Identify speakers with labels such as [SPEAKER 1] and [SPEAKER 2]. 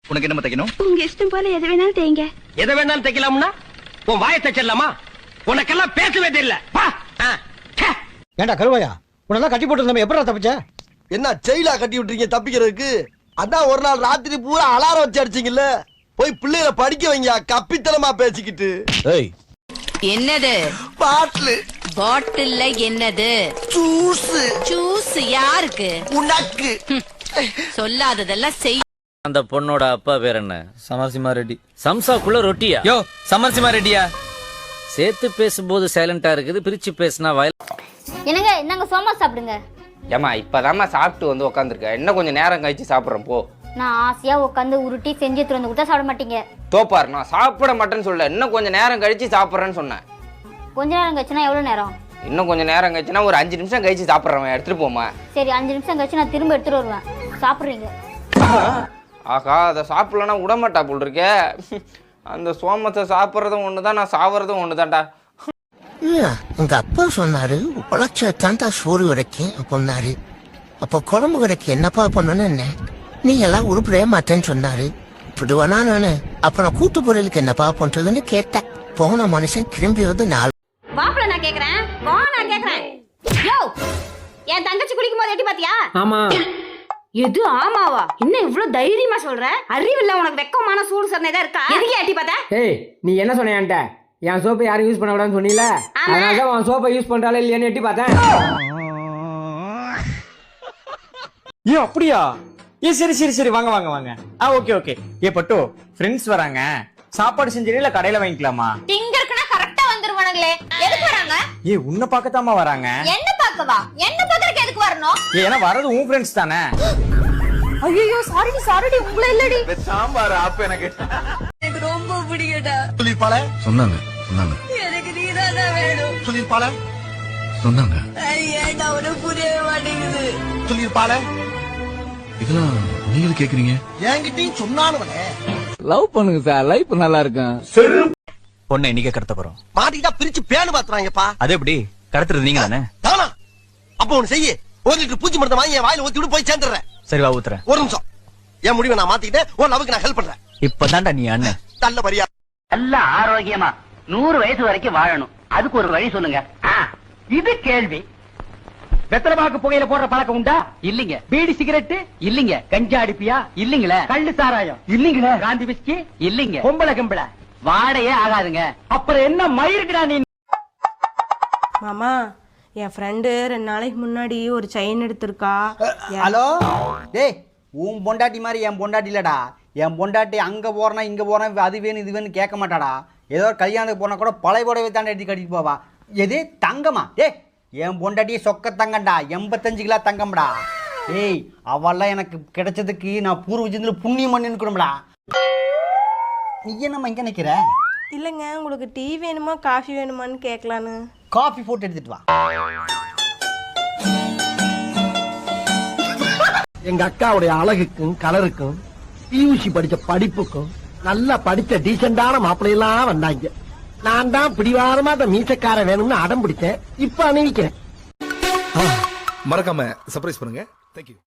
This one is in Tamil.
[SPEAKER 1] உனக்கு என்ன தைக்கணும்?
[SPEAKER 2] உங்க இஷ்டம் போல எது வேணாலும் தேங்க.
[SPEAKER 3] எதை வேணாலும் தைக்கலாம்னா உன் வாயை தைச்சிடலாமா? உனக்கெல்லாம் பேசவே தெரியல.
[SPEAKER 4] ஏண்டா கருவாயா, உன்னெல்லாம் கட்டி போட்டு நம்ம எப்படா தப்பிச்ச?
[SPEAKER 5] என்ன செயலா கட்டி விட்டுறீங்க தப்பிக்கிறதுக்கு? அதான் ஒரு நாள் ராத்திரி பூரா அலாரம் வச்சு அடிச்சீங்கல்ல. போய் பிள்ளைகளை படிக்க வைங்க, கப்பித்தனமா பேசிக்கிட்டு.
[SPEAKER 6] என்னது
[SPEAKER 5] பாட்டில்?
[SPEAKER 6] பாட்டில்ல என்னது?
[SPEAKER 5] ஜூஸ்.
[SPEAKER 6] ஜூஸ் யாருக்கு?
[SPEAKER 5] உனக்கு.
[SPEAKER 6] சொல்லாததெல்லாம் செய்.
[SPEAKER 7] அந்த பொண்ணோட அப்பா பேர் என்ன?
[SPEAKER 8] சமரசிம்மா ரெட்டி.
[SPEAKER 7] சம்சாக்குள்ள ரொட்டியா?
[SPEAKER 8] யோ சமரசிம்மா ரெட்டியா?
[SPEAKER 7] சேர்த்து பேசும்போது சைலண்டா இருக்குது, பிரிச்சு பேசினா வயல்.
[SPEAKER 9] என்னங்க இந்தாங்க சோமா சாப்பிடுங்க.
[SPEAKER 10] ஏமா இப்பதாம்மா சாப்பிட்டு வந்து உட்காந்துருக்க, இன்னும் கொஞ்சம் நேரம் கழிச்சு சாப்பிட்றேன் போ.
[SPEAKER 9] நான் ஆசையா உட்காந்து உருட்டி செஞ்சு எடுத்துட்டு வந்து கொடுத்தா சாப்பிட மாட்டீங்க.
[SPEAKER 10] தோப்பாரு, நான் சாப்பிட மாட்டேன்னு சொல்ல, இன்னும் கொஞ்சம் நேரம் கழிச்சு சாப்பிட்றேன்னு சொன்னேன்.
[SPEAKER 9] கொஞ்ச நேரம் கழிச்சுனா எவ்வளவு நேரம்?
[SPEAKER 10] இன்னும் கொஞ்சம் நேரம் கழிச்சுனா ஒரு 5 நிமிஷம் கழிச்சு சாப்பிட்றேன், எடுத்துட்டு போமா.
[SPEAKER 9] சரி 5 நிமிஷம் கழிச்சு நான் திரும்ப எடுத்துட்டு வருவேன். சாப்பிடுறீங்க?
[SPEAKER 10] ஆகா, அதை சாப்பிடலன்னா விடமாட்டா போல் இருக்கே. அந்த சோமத்தை சாப்பிட்றதும் ஒண்ணுதான், நான் சாப்பிட்றதும் ஒண்ணுதான்டா.
[SPEAKER 11] உங்க அப்பா சொன்னாரு உழைச்ச தாண்டா சோறு வரைக்கும் பொண்ணாரு. அப்ப குழம்பு கடைக்கு என்னப்பா பண்ணணும்? என்ன நீ எல்லாம் உருப்படவே மாட்டேன்னு சொன்னாரு. இப்படிவானா நானு அப்புறம் கூட்டு பொருளுக்கு என்னப்பா பண்றதுன்னு கேட்டேன். போன மனுஷன் திரும்பி வந்து 4
[SPEAKER 2] வாப்பல நான் கேக்குறேன். வா நான் கேக்குறேன். யோ என் தங்கச்சி குளிக்கும் போது எட்டி பாத்தியா?
[SPEAKER 8] ஆமா.
[SPEAKER 2] எது ஆமாவா? என்ன இவ்வளவு தைரியமா சொல்ற? அறிவில்ல உனக்கு? வெக்கமான சூடு சரணை தான் இருக்கா? எதுக்கு எட்டி பார்த்தா?
[SPEAKER 8] ஏய் நீ என்ன சொன்ன என்கிட்ட? என் சோப்பை யாரும் யூஸ் பண்ண விடான்னு சொன்னீல, அதனாலதான் உன் சோப்பை யூஸ் பண்றாலே இல்லையான்னு எட்டி பார்த்தேன்.
[SPEAKER 4] ஏ அப்படியா? ஏ சரி சரி சரி, வாங்க வாங்க வாங்க. Okay okay. ஏ பட்டு, ஃப்ரெண்ட்ஸ் வராங்க, சாப்பாடு செஞ்சீங்களா இல்ல கடையில வாங்கிக்கலாமா?
[SPEAKER 2] இங்க இருக்குனா கரெக்ட்டா வந்துருவானுங்களே. எதுக்கு வராங்க?
[SPEAKER 4] ஏ உன்னை பார்க்கத்தாமா வராங்க.
[SPEAKER 2] என்ன பார்க்கவா? என்ன பார்க்கறதுக்கு எதுக்கு வரணும்?
[SPEAKER 4] ஏன்னா வரது உன் ஃப்ரெண்ட்ஸ் தானே.
[SPEAKER 2] ஐயோ சாரிடி உங்கள இல்லடி.
[SPEAKER 1] சாம்பார் ஆப் எனக்கு
[SPEAKER 6] ரொம்ப பிடிக்கடா.
[SPEAKER 5] சொல்லிருப்பாள?
[SPEAKER 1] சொன்னாங்க.
[SPEAKER 6] எனக்கு நீதானா வேணும்.
[SPEAKER 5] சொல்லிருப்பாள?
[SPEAKER 1] சொன்னாங்க.
[SPEAKER 6] ஏன்டா உனக்கு புரியவே மாட்டேங்குது.
[SPEAKER 5] சொல்லிருப்பாள?
[SPEAKER 1] இதெல்லாம் நீங்க கேக்குறீங்க?
[SPEAKER 5] என்கிட்டயும் சொன்னானுவனே.
[SPEAKER 8] லவ் பண்ணுங்க சார், லைஃப் நல்லா இருக்கும்.
[SPEAKER 4] பொண்ணை இன்னைக்கு கடத்த போறோம்.
[SPEAKER 5] மாட்டிக்கிட்டா பிரிச்சு பேனு பாத்துறாங்கப்பா.
[SPEAKER 4] அது எப்படி கடத்துறது? நீங்க தானே.
[SPEAKER 5] தானா? அப்ப ஒண்ணு செய்ய, 1 லிட்டர் பூச்சி மருந்து வாங்கி என் வாயில ஊத்தி விட்டு போய் சேர்ந்துடுறேன்.
[SPEAKER 4] சரி வா ஊத்துறேன்.
[SPEAKER 5] ஒரு நிமிஷம். என் முடிவை நான் மாத்திக்கிட்டேன். உன் லவ்க்கு நான் ஹெல்ப் பண்றேன்.
[SPEAKER 4] இப்பதான்டா நீ அண்ணன்.
[SPEAKER 5] நல்ல பரியா.
[SPEAKER 3] நல்ல ஆரோக்கியமா 100 வயசு வரைக்கும் வாழணும், அதுக்கு ஒரு வழி சொல்லுங்க. இது கேள்வி. வெத்தலைபாக்கு புகையில போடுற பழக்கம் உண்டா? இல்லீங்க. பீடி சிகரெட்? இல்லீங்க. கஞ்சா அடிப்பியா? இல்லீங்களே. கள்ளு சாராயம்? இல்லீங்களே. காந்தி பிஸ்கி? இல்லீங்க. பொம்பளை கம்பளை? வாடையே ஆகாதுங்க. அப்புறம் என்ன மயிருக்குடா நீ?
[SPEAKER 2] மாமா என் ஃப்ரெண்டு 2 நாளைக்கு முன்னாடி ஒரு செயின் எடுத்திருக்கா.
[SPEAKER 4] ஹலோ டேய், உன் பொண்டாட்டி மாதிரி என் பொண்டாட்டி இல்லடா. என் பொண்டாட்டி அங்க போறனா இங்க போறேன், அது வேணும் இது வேணும் கேட்க மாட்டாடா. ஏதோ கல்யாணத்துக்கு போனா கூட பழைய புடவை தாண்டி எடுத்து கட்டிட்டு போவா. எது தங்கமா? டேய் என் பொண்டாட்டியே சொக்க தங்கம்டா, 85 கிலோ தங்கம்டா. ஏய் அவெல்லாம் எனக்கு கிடைச்சதுக்கு நான் பூர்வ ஜென்மத்துல புண்ணியம் பண்ணிக்கணும்டா. நீ என்னம்மா இங்க நிக்கிற?
[SPEAKER 2] இல்லைங்க, உங்களுக்கு டீ வேணுமா காஃபி வேணுமான்னு கேட்கலான்னு.
[SPEAKER 4] காஃபி போட்டு எடுத்துட்டு வா.
[SPEAKER 5] எங்க அக்காவுடைய அழகுக்கும் கலருக்கும் பியூசி படிச்ச படிப்புக்கும் நல்லா படிச்ச டீசென்டான மாப்பிள்ளையெல்லாம் வந்தாங்க. நான் தான் பிடிவாரமா அந்த மீசக்கார வேணும்னு அடம் பிடிச்சேன். இப்ப அணிவிக்கிறேன்.
[SPEAKER 1] மறக்காம சர்ப்ரைஸ் பண்ணுங்க. தேங்க்யூ.